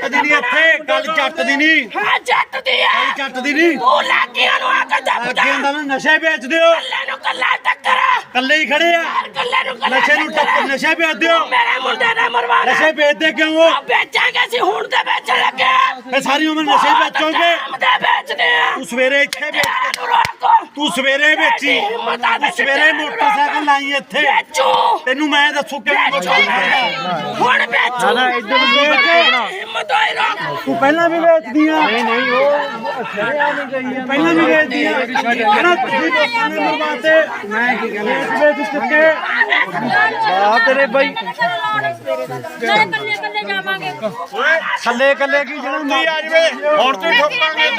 ਦੀ ਨਹੀਂ ਇੱਥੇ ਗੱਲ ਜੱਟ ਦੀ ਨਹੀਂ। ਹਾਂ ਜੱਟ ਦੀ ਆ ਜੱਟ ਦੀ ਨਹੀਂ। ਉਹ ਲਾਗੀਆਂ ਨੂੰ ਆ ਕੇ ਦੱਬਦਾ ਅੱਗੇ ਹੁੰਦਾ ਨਾ ਨਸ਼ੇ ਵੇਚਦੇ ਹੋ। ਕੱਲੇ ਨੂੰ ਕੱਲਾ ਟੱਕਰ ਕੱਲੇ ਹੀ ਖੜੇ ਆ। ਕੱਲੇ ਨੂੰ ਕੱਲਾ ਨਸ਼ੇ ਨੂੰ ਟੱਕਰ ਨਸ਼ੇ ਵੇਚਦੇ ਹੋ। ਮੇਰੇ ਮੁੰਡੇ ਨੇ ਮਰਵਾਣਾ ਨਸ਼ੇ ਵੇਚਦੇ ਕਿਉਂ ਹੋ? ਵੇਚਾਂਗੇ ਅਸੀਂ ਹੁਣ ਤੇ ਵੇਚਣ ਲੱਗੇ ਇਹ ਸਾਰੀ ਉਮਰ ਨਸ਼ੇ ਵੇਚੋਗੇ। ਤੇ ਵੇਚਦੇ ਆ ਤੂੰ ਸਵੇਰੇ ਇੱਥੇ ਵੇਚ ਨੂੰ ਰੋਕੋ ਤੂੰ ਸਵੇਰੇ ਵੇਚੀ ਤੂੰ ਸਵੇਰੇ ਮੋਟਰਸਾਈਕਲ ਲਾਈ ਇੱਥੇ ਵੇਚੋ ਤੈਨੂੰ ਮੈਂ ਦੱਸੂ ਕਿਵੇਂ ਵੇਚੂਗਾ। ਹੁਣ ਵੇਚੋ ਨਾ ਇੱਧਰ ਨੂੰ ਬਣਾ ਹਿੰਮਤ ਹੋਈ ਰੋਕ ਤੂੰ ਪਹਿਲਾਂ ਵੀ ਵੇਚਦੀ ਆ। ਨਹੀਂ ਉਹ ਸਰਿਆ ਨਹੀਂ ਗਈ ਆ ਪਹਿਲਾਂ ਵੀ ਵੇਚਦੀ ਆ। ਕਹਿੰਦਾ ਤੁਸੀਂ ਲੋਕਾਂ ਨੇ ਮਰਵਾਤੇ ਮੈਂ ਕੀ ਕਹਿੰਦਾ ਵੇਚ ਚੁੱਕੇ। ਆ ਤੇਰੇ ਬਾਈ ਕੱਲੇ ਕੱਲੇ ਜਾਵਾਂਗੇ ਕੱਲੇ ਕੱਲੇ ਕੀ ਜਿਹੜਾ ਆ ਜਵੇ ਹੁਣ ਤੂੰ ਠੋਕਾਂਗੇ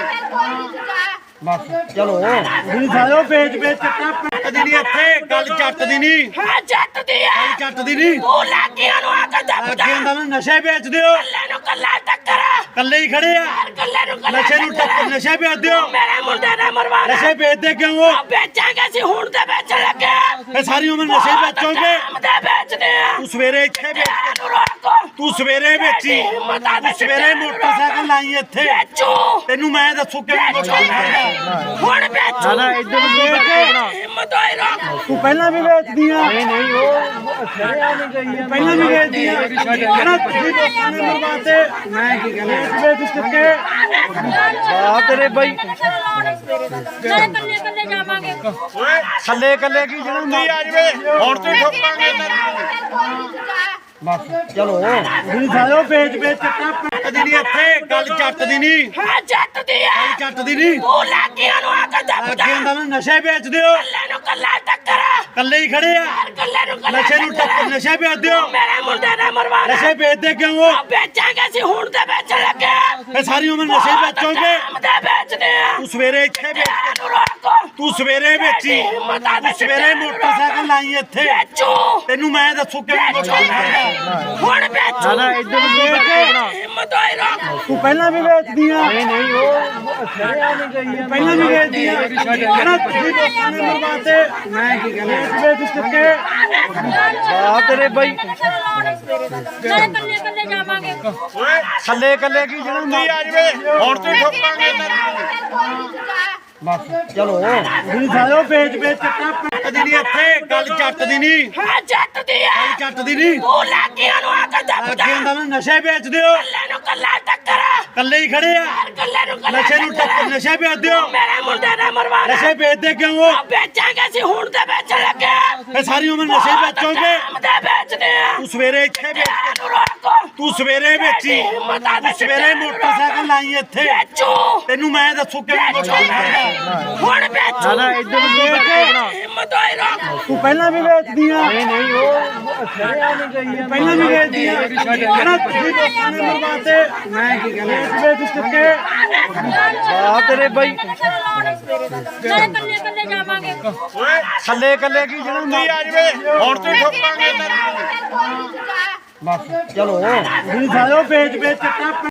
ਬਸ ਚਲੋ ਤੁਸੀਂ ਸਾਲਿਓ ਵੇਚ ਚੱਕਾ ਪਿੰਡ ਦੀ ਨਹੀਂ ਇੱਥੇ ਗੱਲ ਜੱਟ ਦੀ ਨਹੀਂ। ਹਾਂ ਜੱਟ ਦੀ ਆ ਜੱਟ ਦੀ ਨਹੀਂ। ਉਹ ਲਾਗੀਆਂ ਨੂੰ ਆ ਕੇ ਦੱਬਦਾ ਅੱਗੇ ਹੁੰਦਾ ਨਾ ਨਸ਼ੇ ਵੇਚਦੇ ਹੋ। ਕੱਲੇ ਨੂੰ ਕੱਲਾ ਟੱਕਰ ਕੱਲੇ ਹੀ ਖੜੇ ਆ। ਕੱਲੇ ਨੂੰ ਕੱਲਾ ਨਸ਼ੇ ਨੂੰ ਟੱਕਰ ਨਸ਼ੇ ਵੇਚਦੇ ਹੋ। ਮੇਰੇ ਮੁੰਡੇ ਨੇ ਮਰਵਾਣਾ ਨਸ਼ੇ ਵੇਚਦੇ ਕਿਉਂ ਹੋ? ਵੇਚਾਂਗੇ ਅਸੀਂ ਹੁਣ ਤੇ ਵੇਚਣ ਲੱਗੇ ਇਹ ਸਾਰੀ ਉਮਰ ਨਸ਼ੇ ਵੇਚੋਗੇ। ਤੇ ਵੇਚਦੇ ਆ ਤੂੰ ਸਵੇਰੇ ਇੱਥੇ ਵੇਚ ਨੂੰ ਰੋਕੋ ਤੂੰ ਸਵੇਰੇ ਵੇਚੀ ਤੂੰ ਸਵੇਰੇ ਮੋਟਰਸਾਈਕਲ ਲਾਈ ਇੱਥੇ ਵੇਚੋ ਤੈਨੂੰ ਮੈਂ ਦੱਸੂ ਕਿਵੇਂ ਵੇਚੂਗਾ। ਹੁਣ ਵੇਚੋ ਨਾ ਇੱਧਰ ਨੂੰ ਬਣਾ ਹਿੰਮਤ ਹੋਈ ਰੋਕ ਤੂੰ ਪਹਿਲਾਂ ਵੀ ਵੇਚਦੀ ਆ। ਨਹੀਂ ਉਹ ਸਰਿਆ ਨਹੀਂ ਗਈ ਆ ਪਹਿਲਾਂ ਵੀ ਵੇਚਦੀ ਆ। ਕਹਿੰਦਾ ਤੁਸੀਂ ਲੋਕਾਂ ਨੇ ਮਰਵਾਤੇ ਮੈਂ ਕੀ ਕਹਿੰਦਾ ਵੇਚ ਚੁੱਕੇ। ਆ ਤੇਰੇ ਬਾਈ ਕੱਲੇ ਕੱਲੇ ਜਾਵਾਂਗੇ ਕੱਲੇ ਕੱਲੇ ਕੀ ਜਿਹੜਾ ਆ ਜਵੇ ਹੁਣ ਤੂੰ ਠੋਕਾਂਗੇ ਬਸ ਚਲੋ ਤੁਸੀਂ ਸਾਲਿਓ ਵੇਚ ਚੱਕਾ ਪਿੰਡ ਦੀ ਨਹੀਂ ਇੱਥੇ ਗੱਲ ਜੱਟ ਦੀ ਨਹੀਂ। ਹਾਂ ਜੱਟ ਦੀ ਆ ਜੱਟ ਦੀ ਨਹੀਂ। ਉਹ ਲਾਗੀਆਂ ਨੂੰ ਆ ਕੇ ਦੱਬਦਾ ਅੱਗੇ ਹੁੰਦਾ ਨਾ ਨਸ਼ੇ ਵੇਚਦੇ ਹੋ। ਕੱਲੇ ਨੂੰ ਕੱਲਾ ਟੱਕਰ ਕੱਲੇ ਹੀ ਖੜੇ ਆ। ਕੱਲੇ ਨੂੰ ਕੱਲਾ ਨਸ਼ੇ ਨੂੰ ਟੱਕਰ ਨਸ਼ੇ ਵੇਚਦੇ ਹੋ। ਮੇਰੇ ਮੁੰਡੇ ਨੇ ਮਰਵਾਣਾ ਨਸ਼ੇ ਵੇਚਦੇ ਕਿਉਂ ਹੋ? ਵੇਚਾਂਗੇ ਅਸੀਂ ਹੁਣ ਤੇ ਵੇਚਣ ਲੱਗੇ ਇਹ ਸਾਰੀ ਉਮਰ ਨਸ਼ੇ ਵੇਚੋਗੇ। ਤੇ ਵੇਚਦੇ ਆ ਤੂੰ ਸਵੇਰੇ ਇੱਥੇ ਵੇਚ ਨੂੰ ਰੋਕੋ ਤੂੰ ਸਵੇਰੇ ਵੇਚੀ ਤੂੰ ਸਵੇਰੇ ਮੋਟਰਸਾਈਕਲ ਲਾਈ ਇੱਥੇ ਵੇਚੋ ਤੈਨੂੰ ਮੈਂ ਦੱਸੂ ਕਿਵੇਂ ਵੇਚੂਗਾ। ਹੁਣ ਵੇਚੋ ਨਾ ਇੱਧਰ ਨੂੰ ਬਣਾ ਹਿੰਮਤ ਹੋਈ ਰੋਕ ਤੂੰ ਪਹਿਲਾਂ ਵੀ ਵੇਚਦੀ ਆ। ਨਹੀਂ ਉਹ ਸਰਿਆ ਨਹੀਂ ਗਈ ਆ ਪਹਿਲਾਂ ਵੀ ਵੇਚਦੀ ਆ। ਕਹਿੰਦਾ ਤੁਸੀਂ ਲੋਕਾਂ ਨੇ ਮਰਵਾਤੇ ਮੈਂ ਕੀ ਕਹਿੰਦਾ ਵੇਚ ਚੁੱਕੇ। ਆ ਤੇਰੇ ਬਾਈ ਕੱਲੇ ਕੱਲੇ ਜਾਵਾਂਗੇ ਕੱਲੇ ਕੱਲੇ ਕੀ ਜਿਹੜਾ ਆ ਜਵੇ ਹੁਣ ਤੂੰ ਠੋਕਾਂਗੇ ਬਸ ਚਲੋ ਤੁਸੀਂ ਸਾਲਿਓ ਵੇਚ ਚੱਕਾ ਪਿੰਡ ਦੀ ਨਹੀਂ ਇੱਥੇ ਗੱਲ ਜੱਟ ਦੀ ਨਹੀਂ। ਹਾਂ ਜੱਟ ਦੀ ਆ ਜੱਟ ਦੀ ਨਹੀਂ। ਉਹ ਲਾਗੀਆਂ ਨੂੰ ਆ ਕੇ ਦੱਬਦਾ ਅੱਗੇ ਹੁੰਦਾ ਨਾ ਨਸ਼ੇ ਵੇਚਦੇ ਹੋ। ਕੱਲੇ ਨੂੰ ਕੱਲਾ ਟੱਕਰ ਕੱਲੇ ਹੀ ਖੜੇ ਆ। ਕੱਲੇ ਨੂੰ ਕੱਲਾ ਨਸ਼ੇ ਨੂੰ ਟੱਕਰ ਨਸ਼ੇ ਵੇਚਦੇ ਹੋ। ਮੇਰੇ ਮੁੰਡੇ ਨੇ ਮਰਵਾਣਾ ਨਸ਼ੇ ਵੇਚਦੇ ਕਿਉਂ ਹੋ? ਵੇਚਾਂਗੇ ਅਸੀਂ ਹੁਣ ਤੇ ਵੇਚਣ ਲੱਗੇ ਇਹ ਸਾਰੀ ਉਮਰ ਨਸ਼ੇ ਵੇਚੋਗੇ। ਤੇ ਵੇਚਦੇ ਆ ਤੂੰ ਸਵੇਰੇ ਇੱਥੇ ਵੇਚ ਨੂੰ ਰੋਕੋ ਤੂੰ ਸਵੇਰੇ ਵੇਚੀ ਤੂੰ ਸਵੇਰੇ ਮੋਟਰਸਾਈਕਲ ਲਾਈ ਇੱਥੇ ਵੇਚੋ ਤੈਨੂੰ ਮੈਂ ਦੱਸੂ ਕਿਵੇਂ ਵੇਚੂਗਾ। ਹੁਣ ਵੇਚੋ ਨਾ ਇੱਧਰ ਨੂੰ ਬਣਾ ਹਿੰਮਤ ਹੋਈ ਰੋਕ ਤੂੰ ਪਹਿਲਾਂ ਵੀ ਵੇਚਦੀ ਆ। ਨਹੀਂ ਉਹ ਸਰਿਆ ਨਹੀਂ ਗਈ ਆ ਪਹਿਲਾਂ ਵੀ ਵੇਚਦੀ ਆ। ਕਹਿੰਦਾ ਤੁਸੀਂ ਲੋਕਾਂ ਨੇ ਮਰਵਾਤੇ ਮੈਂ ਕੀ ਕਹਿੰਦਾ ਵੇਚ ਚੁੱਕੇ। ਆ ਤੇਰੇ ਬਾਈ ਕੱਲੇ ਕੱਲੇ ਜਾਵਾਂਗੇ ਕੱਲੇ ਕੱਲੇ ਕੀ ਜਿਹੜਾ ਆ ਜਵੇ ਹੁਣ ਤੂੰ ਠੋਕਾਂਗੇ ਬਸ ਚਲੋ ਤੁਸੀਂ ਸਾਲਿਓ ਵੇਚ ਚੱਕਾ